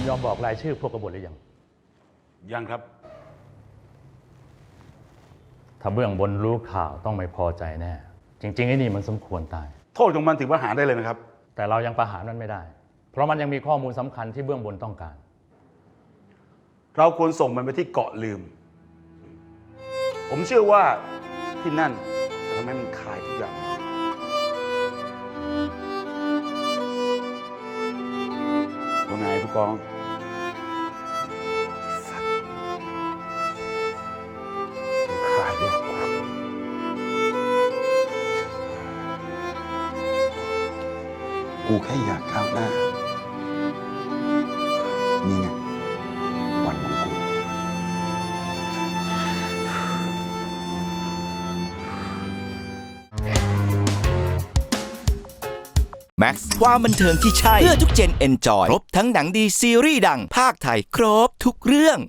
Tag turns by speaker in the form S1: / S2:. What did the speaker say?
S1: ยอมบอกรายชื่อพวกกบฏหรือยัง
S2: ยังครับ
S1: ถ้าเบื้องบนรู้ข่าวต้องไม่พอใจแน่จริงๆไอ้นี่มันสมควรตาย
S2: โทษของมันถึงประหารได้เลยนะครับ
S1: แต่เรายังประหารมันไม่ได้เพราะมันยังมีข้อมูลสำคัญที่เบื้องบนต้องการ
S2: เราควรส่งมันไปที่เกาะลืมผมเชื่อว่าที่นั่นจะทำให้มันคลายทุกอย่างว่าไงผู้กองคลายด้วย
S3: กูแค่อยากก้าวหน้านี่ไงวันของกู
S4: แม็กซ์ความบันเทิงที่ใช่เพื่อทุกเจนเอนจอยครบทั้งหนังดีซีรีส์ดังภาคไทยครบทุกเรื่อง